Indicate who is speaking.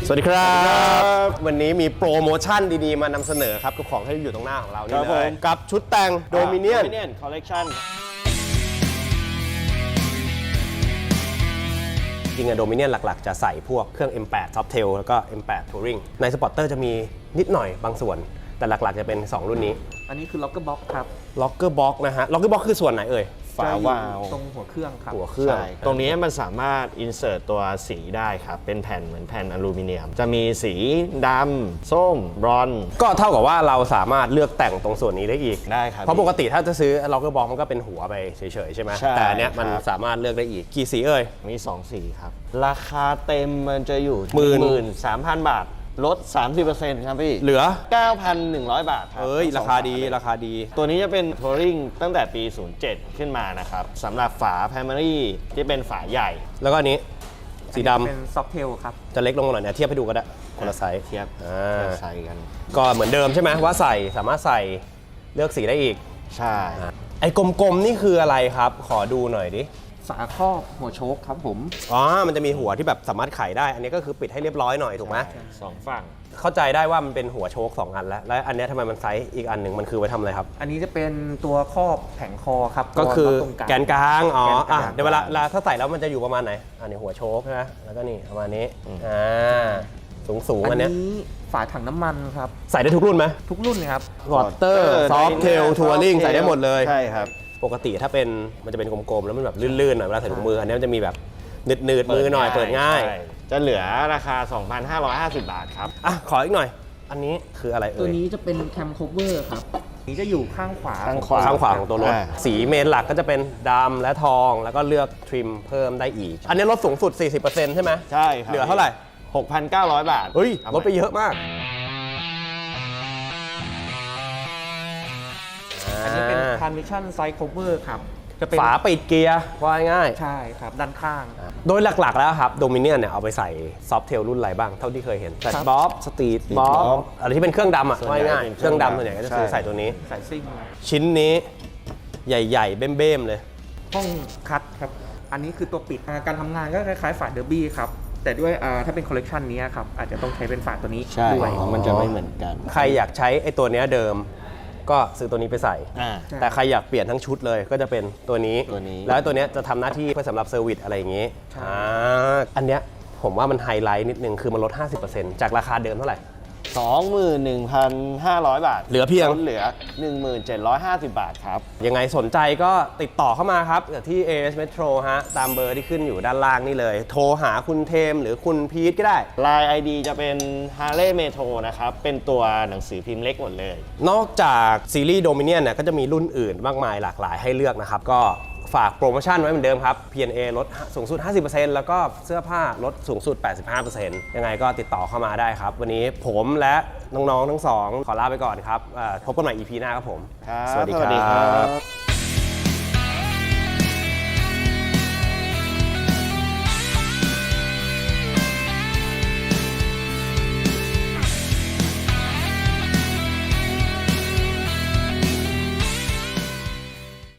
Speaker 1: สวัสดีครับวันนี้มีโปรโมชั่นดีๆมานำเสนอครับกับของที่อยู่ตรงหน้าของเรานี่เลยกับชุดแต่งโดมิเนียน
Speaker 2: คอลเลกชัน
Speaker 1: จริงอะโดมิเนียนหลักๆจะใส่พวกเครื่อง M8 Softail แล้วก็ M8 Touring ในสปอร์เตอร์จะมีนิดหน่อยบางส่วนแต่หลักๆจะเป็น 2 รุ่นนี้
Speaker 3: อันนี้คือ Locker Box ครับ
Speaker 1: Locker Box นะฮะ Locker Box คือส่วนไหนเอ่ย
Speaker 2: ฝาวาล์ว
Speaker 3: ตรงหัวเครื่องครับ
Speaker 1: หัวเครื่อง
Speaker 2: ตรงนี้มันสามารถ insert ตัวสีได้ครับเป็นแผ่นเหมือนแผ่นอลูมิเนียมจะมีสีดำส้มบรอนซ์
Speaker 1: ก็เท่ากับว่าเราสามารถเลือกแต่งตรงส่วนนี้ได้อีก
Speaker 2: ได้ครับ
Speaker 1: เพราะปกติถ้าจะซื้อ Locker Box มันก็เป็นหัวไปเฉยๆใช่ไหมแต่อันเนี้ยมันสามารถเลือกได้อีกกี่สีเอ่ย
Speaker 2: มี2สีครับราคาเต็มมันจะอยู่ 13,000 บาทลด 30% ครับพี่
Speaker 1: เหลือ
Speaker 2: 9,100 บาทครับ
Speaker 1: ราคาดีราคาดี
Speaker 2: ตัวนี้จะเป็น Touring ตั้งแต่ปี 07 ขึ้นมานะครับสำหรับฝา Primary ที่เป็นฝาใหญ่
Speaker 1: แล้วก็อันนี้สีดำ
Speaker 3: เป็น Softail ครับ
Speaker 1: จะเล็กลงหน่อยเนี่ยเทียบให้ดูก็ได้คนละไซส์
Speaker 2: เทียบไซส์กัน
Speaker 1: ก็เหมือนเดิมใช่ไหมว่าสามารถใส่เลือกสีได้อีก
Speaker 2: ใช่
Speaker 1: ไอ้กลมๆนี่คืออะไรครับขอดูหน่อยดิ
Speaker 3: ฝาครอบหัวโชคครับผม
Speaker 1: มันจะมีหัวที่แบบสามารถไขได้อันนี้ก็คือปิดให้เรียบร้อยหน่อยถูกไหม
Speaker 2: 2 ฝั่ง
Speaker 1: เข้าใจได้ว่ามันเป็นหัวโชค2อันแล้วอันนี้ทำไมมันไซส์อีกอันหนึ่งมันคือไว้ทำอะไรครับ
Speaker 3: อันนี้จะเป็นตัวครอบแผงคอครับ
Speaker 1: ก็คือแกนกลางเดี๋ยวเวลาถ้าใส่แล้วมันจะอยู่ประมาณไหนอันนี้หัวโชคนะแล้วก็นี่ประมาณนี้สูงอันนี้
Speaker 3: ฝาถังน้ำมันครับ
Speaker 1: ใส่ได้ทุกรุ่นไหม
Speaker 3: ทุกรุ่นเลยครับ
Speaker 1: วอเตอร์ซอฟเทลทัวริงใส่ได้หมดเลย
Speaker 2: ใช่ครับ
Speaker 1: ปกติถ้าเป็นมันจะเป็นกลมๆแล้วมันแบบลื่นๆหน่อยเวลาใส่ถุงมืออันนี้มันจะมีแบบหนืดมือหน่อยเปิดง่าย
Speaker 2: จะเหลือราคา 2,550 บาทครับ
Speaker 1: ขออีกหน่อยอันนี้คืออะไร
Speaker 3: ตัวนี้จะเป็นแคมโคเวอร์ครับนี้จะอยู่ข้างขวา
Speaker 1: ข้างขวาของตัวรถสีเมนหลักก็จะเป็นดำและทองแล้วก็เลือกทริมเพิ่มได้อีกอันนี้ลดสูงสุด 40% ใช่ไหม
Speaker 2: ใช่ครับ
Speaker 1: เหลือเท่าไหร่
Speaker 2: 6,900 บาท
Speaker 1: เฮ้ยลดไปเยอะมาก
Speaker 3: อันนี้เป็น Transmission Side Cover ครับ
Speaker 1: จะเป็นฝาปิดเกียร์ว่าง่าย
Speaker 3: ใช่ครับด้านข้าง
Speaker 1: โดยหลักๆแล้วครับโดมิเนียนเนี่ยเอาไปใส่ซอฟเทลรุ่นอะไรบ้างเท่าที่เคยเห็นแฟลตบ๊อบสตรีทบ๊อบอะไรที่เป็นเครื่องดำว่าง่ายเครื่องดำส่วนใหญ่ก็จะซื้อใส่ตัวนี้
Speaker 3: ใส่ซิ่ง
Speaker 1: ชิ้นนี้ใหญ่ๆเบ้มๆเลย
Speaker 3: ห้องคัทครับอันนี้คือตัวปิดการทำงานก็คล้ายๆฝาเดอร์บี้ครับแต่ด้วยถ้าเป็นคอลเลกชันนี้ครับอาจจะต้องใช้เป็นฝาตัวนี้ด้วย
Speaker 2: มันจะไม่เหมือนกัน
Speaker 1: ใครอยากใช้ไอ้ตัวนี้เดิมก็ซื้อตัวนี้ไปใส่แต่ใครอยากเปลี่ยนทั้งชุดเลยก็จะเป็นตัวนี้แล้วตัวนี้จะทำหน้าที่เพื่อสำหรับเซอร์วิสอะไรอย่างนี้อันเนี้ยผมว่ามันไฮไลท์นิดนึงคือมันลด 50% จากราคาเดิมเท่าไหร่
Speaker 2: 21,500 บาท
Speaker 1: เหลือเพียง
Speaker 2: 1750 บาทครับ
Speaker 1: ยังไงสนใจก็ติดต่อเข้ามาครับที่ AS Metro ฮะตามเบอร์ที่ขึ้นอยู่ด้านล่างนี่เลยโทรหาคุณเทมหรือคุณพีทก็ได้
Speaker 2: Line ID จะเป็น Harley Metro นะครับเป็นตัวหนังสือพิมพ์เล็กหมดเลย
Speaker 1: นอกจากซีรีส์ Dominion เนี่ยก็จะมีรุ่นอื่นมากมายหลากหลายให้เลือกนะครับก็ฝากโปรโมชั่นไว้เหมือนเดิมครับ P&A ลดสูงสุด 50% แล้วก็เสื้อผ้าลดสูงสุด 85% ยังไงก็ติดต่อเข้ามาได้ครับวันนี้ผมและน้องๆทั้งสองขอลาไปก่อนครับพบกันใหม่ EP หน้าครับผม
Speaker 2: สวัสดีครับ